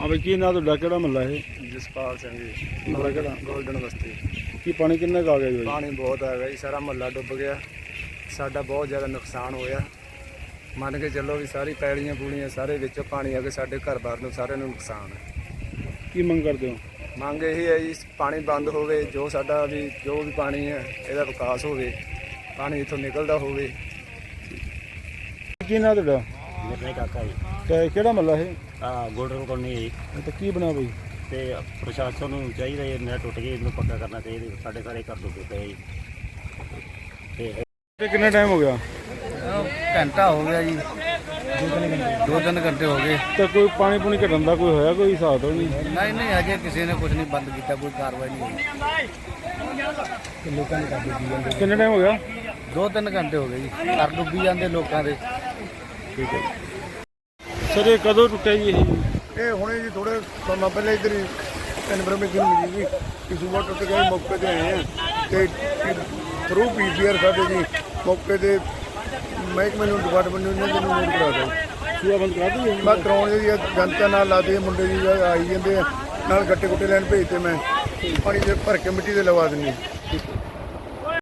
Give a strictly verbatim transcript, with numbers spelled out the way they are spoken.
हाँ भाई की ना ਤੁਹਾਡਾ ਕਿਹੜਾ ਮਹੱਲਾ ਇਹ ਜਸਪਾਲ ਸਿੰਘ ਜੀ ਮਹੱਲਾ ਕਿਹੜਾ ਗੋਲਡਨ ਬਸਤੀ। ਕੀ ਪਾਣੀ ਕਿੰਨਾ ਕੁ ਆ ਗਿਆ ਜੀ ਬਾਈ? ਪਾਣੀ ਬਹੁਤ ਆ ਗਿਆ ਜੀ, ਸਾਰਾ ਮਹੱਲਾ ਡੁੱਬ ਗਿਆ। ਸਾਡਾ ਬਹੁਤ ਜ਼ਿਆਦਾ ਨੁਕਸਾਨ ਹੋਇਆ। ਮੰਨ ਕੇ ਚੱਲੋ ਵੀ ਸਾਰੀ ਪੈਲੀਆਂ ਪੂਲੀਆਂ ਸਾਰੇ ਵਿੱਚੋਂ ਪਾਣੀ ਆ ਕੇ ਸਾਡੇ ਘਰ-ਬਾਰ ਨੂੰ ਸਾਰਿਆਂ ਨੂੰ ਨੁਕਸਾਨ ਹੈ। ਕੀ ਮੰਗ ਕਰਦੇ ਹੋ? ਮੰਗ ਇਹ ਹੈ ਜੀ ਪਾਣੀ ਬੰਦ ਹੋਵੇ, ਜੋ ਸਾਡਾ ਵੀ ਜੋ ਵੀ ਪਾਣੀ ਹੈ ਇਹਦਾ ਵਿਕਾਸ ਹੋਵੇ, ਪਾਣੀ ਇੱਥੋਂ ਨਿਕਲਦਾ ਹੋਵੇ। ਕੀ ਨਾ ਤੁਹਾਡਾ? ਮੇਰੇ ਕਾਕਾ ਜੀ ਤੇ ਕਿਹੜਾ ਮਹੱਲਾ ਇਹ? ਆ ਗੋਲਡਨ ਕੋਲੋਨੀ ਜੀ। ਤੇ ਕੀ ਬਣਾ ਬਈ? ਤੇ ਪ੍ਰਸ਼ਾਸਨ ਨੂੰ ਚਾਹੀਦਾ ਇਹ ਨਹਿਰ ਟੁੱਟ ਗਈ, ਇਹਨੂੰ ਪੱਕਾ ਕਰਨਾ ਚਾਹੀਦਾ। ਸਾਡੇ ਸਾਰੇ ਘਰ ਡੁੱਬੇ ਪਏ ਜੀ। ਤੇ ਤੇ ਕਿੰਨਾ ਟਾਈਮ ਹੋ ਗਿਆ? ਘੰਟਾ ਹੋ ਗਿਆ ਜੀ, ਦੋ ਤਿੰਨ ਘੰਟੇ ਹੋ ਗਏ। ਤੇ ਕੋਈ ਪਾਣੀ ਪੂਣੀ ਘਟਣ ਦਾ ਕੋਈ ਹੋਇਆ ਕੋਈ ਹਿਸਾਬ ਤਾਂ ਨਹੀਂ? ਨਹੀਂ ਨਹੀਂ ਅਜੇ ਕਿਸੇ ਨੇ ਕੁਝ ਨਹੀਂ ਬੰਦ ਕੀਤਾ, ਕੋਈ ਕਾਰਵਾਈ ਨਹੀਂ ਹੋਈ। ਲੋਕਾਂ ਨੇ ਕਰ ਡੁੱਬੀ ਜਾਂਦੇ, ਕਿੰਨਾ ਟਾਈਮ ਹੋ ਗਿਆ? ਦੋ ਤਿੰਨ ਘੰਟੇ ਹੋ ਗਏ ਜੀ, ਘਰ ਡੁੱਬੀ ਜਾਂਦੇ ਲੋਕਾਂ ਦੇ। ਠੀਕ ਹੈ ਸਰ, ਇਹ ਕਦੋਂ ਟੁੱਟਿਆ ਜੀ ਇਹ? ਇਹ ਹੁਣੇ ਜੀ ਥੋੜੇ ਸਮਾਂ ਪਹਿਲਾਂ ਇੱਧਰ ਹੀ ਇਨਫੋਰਮੇਸ਼ਨ ਮਿਲੀ ਜੀ ਕਿ ਸੂਬਾ ਟੁੱਟ ਗਿਆ। ਮੌਕੇ ਤੇ ਆਏ ਆ ਤੇ ਥਰੂ ਪੀਸੀਆਰ ਸਾਡੇ ਜੀ ਮੌਕੇ ਤੇ ਮਹਿਕਮੇ ਨੂੰ ਡਿਪਾਰਟਮੈਂਟ ਨੂੰ ਇਹਨਾਂ ਨੂੰ ਨੋਟ ਕਰਾ ਦਿਓ। ਸੂਆ ਬੰਦ ਕਰਾ ਦਈਏ? ਮੈਂ ਕਰਾਉਣ ਦੀ ਜਨਤਾ ਨਾਲ ਲਾਦੇ ਮੁੰਡੇ ਜੀ ਆਈ ਜਾਂਦੇ ਆ, ਨਾਲ ਗੱਟੇ ਗੁੱਟੇ ਲੈਣ ਭੇਜਤੇ। ਮੈਂ ਪਾਣੀ ਦੇ ਭਰ ਕੇ ਮਿੱਟੀ ਦੇ ਲਵਾ ਦਿੰਦੀ।